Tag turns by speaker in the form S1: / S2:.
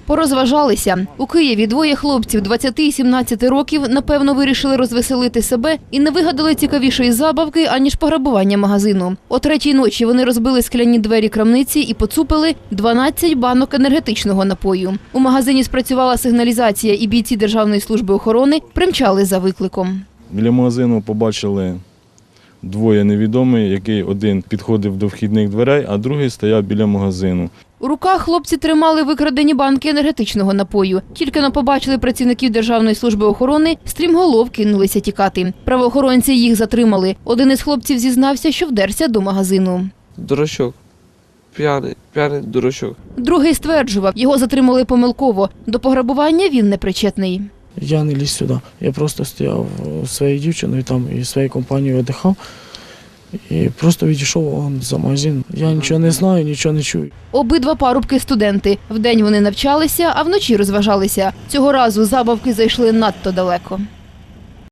S1: Порозважалися. У Києві двоє хлопців 20 і 17 років, напевно, вирішили розвеселити себе і не вигадали цікавішої забавки, аніж пограбування магазину. О 3-й ночі вони розбили скляні двері крамниці і поцупили 12 банок енергетичного напою. У магазині спрацювала сигналізація, і бійці Державної служби охорони примчали за викликом.
S2: Біля магазину побачили двоє невідомих, який один підходив до вхідних дверей, а другий стояв біля магазину.
S1: У руках хлопці тримали викрадені банки енергетичного напою. Тільки но побачили працівників Державної служби охорони, стрімголов кинулися тікати. Правоохоронці їх затримали. Один із хлопців зізнався, що вдерся до магазину.
S3: Дурачок. П'яний дурачок.
S1: Другий стверджував, його затримали помилково. До пограбування він не причетний.
S4: Я не ліз сюди. Я просто стояв зі своєю дівчиною там і своєю компанією віддихав. І просто відійшов за магазин. Я нічого не знаю, нічого не чую.
S1: Обидва парубки – студенти. Вдень вони навчалися, а вночі розважалися. Цього разу забавки зайшли надто далеко.